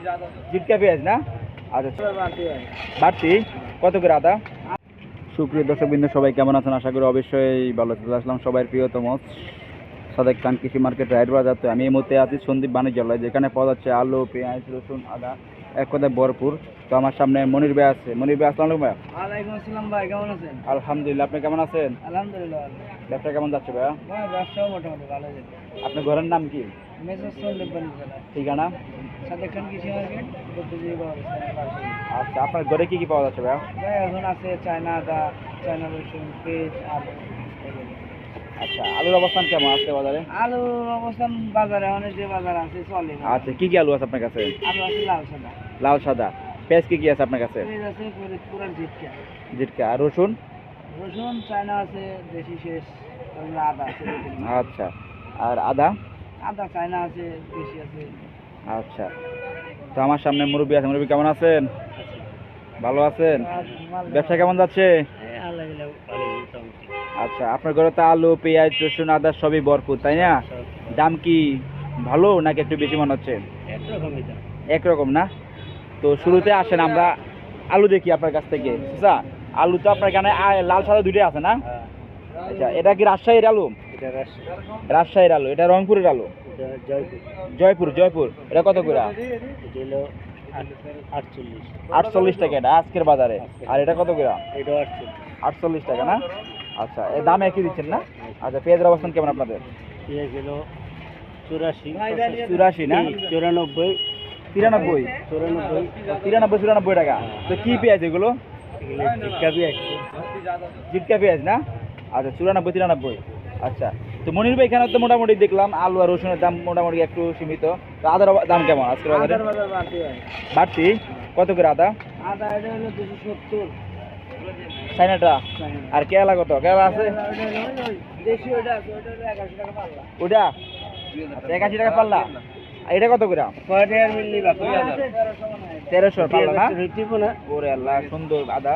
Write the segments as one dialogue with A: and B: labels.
A: জিটকা পেঁয়াজ না? আচ্ছা বাড়তি কত করে আদা? সুপ্রিয় দর্শকবৃন্দ সবাই কেমন আছেন? আশা করি অবশ্যই ভালো চলে আসলাম সবাই প্রিয়তম সাদেক খান কৃষি মার্কেট রায়ের বাজার। তো আমি এই মুহূর্তে আছি সন্দীপ বাণিজ্যালয়, যেখানে পাওয়া যাচ্ছে আলু, পেঁয়াজ, রসুন, আদা এক কথায় ভরপুর। তো আমার সামনে মনির ভাই আছে। মনির ভাই আসসালামু আলাইকুম। ভাই
B: ওয়ালাইকুম আসসালাম ভাই, কেমন আছেন?
A: আলহামদুলিল্লাহ, আপনি কেমন আছেন?
B: আলহামদুলিল্লাহ।
A: ব্যবসা কেমন যাচ্ছে ভাইয়া?
B: ভাই ব্যবসাও মোটামুটি ভালো যাচ্ছে।
A: আপনার ঘরের নাম কি?
B: মেসেজ সন্দীপ বাণিজ্যালয়,
A: ঠিকানা?
B: সাদেক খান কৃষি মার্কেট, বুদ্ধিজীবী কলেজের পাশে।
A: আচ্ছা, আপনার ঘরে কি কি পাওয়া যাচ্ছে ভাইয়া?
B: ভাই এখন আছে চায়না আদা, চায়না রসুন, পেঁয়াজ, আলু এগুলো।
A: আচ্ছা, আলুর অবস্থান কেমন আজকে বাজারে?
B: আলুর অবস্থান বাজারে অনেক যে বাজার আছে চলে।
A: আচ্ছা, কি কি আলু আছে আপনার কাছে?
B: আলু আছে লাল সাদা।
A: লাল সাদা। পেঁয়াজ কি কি আছে আপনার কাছে?
B: পেঁয়াজ আছে পুরান জিটকা।
A: জিটকা। আর রসুন?
B: রসুন চায়না আছে, দেশি শেষ, তারপরে আদা আছে।
A: আচ্ছা, আর আদা?
B: আদা চায়না আছে, দেশি আছে।
A: আচ্ছা, তো আমার সামনে মুরব্বী আছে। মুরব্বী কেমন আছেন? ভালো আছেন? ব্যবসা কেমন যাচ্ছে? আচ্ছা, আপনার ঘরে তো আলু, পেঁয়াজ, রসুন, আদা সবই ভরপুর, তাই না? দাম কি ভালো নাকি একটু বেশি মনে হচ্ছে? একরকম না? তো শুরুতে আসেন আমরা আলু দেখি আপনার কাছ থেকে। আচ্ছা, আলু তো আপনার এখানে লাল সাদা দুটোই আছে না? আচ্ছা, এটা কি রাজশাহীর আলু? রাজশাহীর আলু। এটা রংপুরের আলু? জয়পুর। জয়পুর। এটা কত করে? 48 টাকা এটা আজকের বাজারে। আর এটা কত করে? 48 টাকা না? আচ্ছা, এর দাম একই দিচ্ছেন না? আচ্ছা, পেঁয়াজের অবস্থান কেমন আপনাদের? 84 না? 93 94 টাকা। তো কি পেঁয়াজ এগুলো? জিটকা পেঁয়াজ না? আচ্ছা, 94 93। আচ্ছা, তো মনির ভাই এখানে তো মোটামুটি দেখলাম আলু আর রসুনের দাম মোটামুটি একটু সীমিত। তো আদার দাম কেমন আজকের বাজারে? বাড়তি কত করে আদা?
B: আদা এটা হলো 270।
A: চাইনাটা? আর কেলা কত? কেলা আছে?
B: দেশি ওটা আছে, ওটা হলো 81 টাকা পাল্লা।
A: ওটা 81 টাকা পাল্লা। আর এটা কত করে? 1300 পাল্লা না? ওরে আল্লাহ, সুন্দর আদা।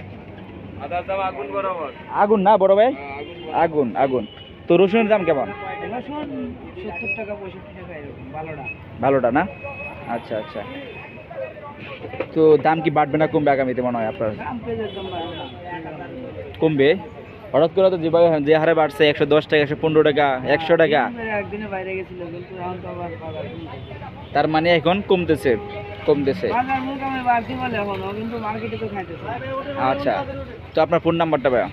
A: আগুন না বড় ভাই? আগুন আগুন। তো রসুনের দাম কেমন?
B: রসুন 70 টাকা 65 টাকা এরকম ভালোটা।
A: ভালোটা না? আচ্ছা আচ্ছা। তো দাম কি বাড়বে না কমবে আগামীতে মনে হয় আপনার?
B: দাম পেঁয়াজের দাম বাড়বে না।
A: কমবে হঠাৎ করে তো যেভাবে যে হারে বাড়ছে 110 টাকা 115 টাকা 100 টাকা।
B: একদিনে বাইরে গেছিল কিন্তু এখন তো আবার বাজার কমতেছে।
A: তার মানে এখন কমতেছে।
B: বাজার মোটামুটি বাড়তি বলে এখনো, কিন্তু মার্কেটে তো খাইতেছে।
A: আচ্ছা, তো আপনার ফোন নাম্বারটা ভাইয়া?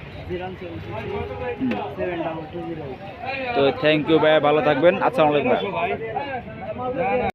B: 076672208।
A: তো থ্যাংক ইউ ভাইয়া, ভালো থাকবেন। আসসালামু আলাইকুম।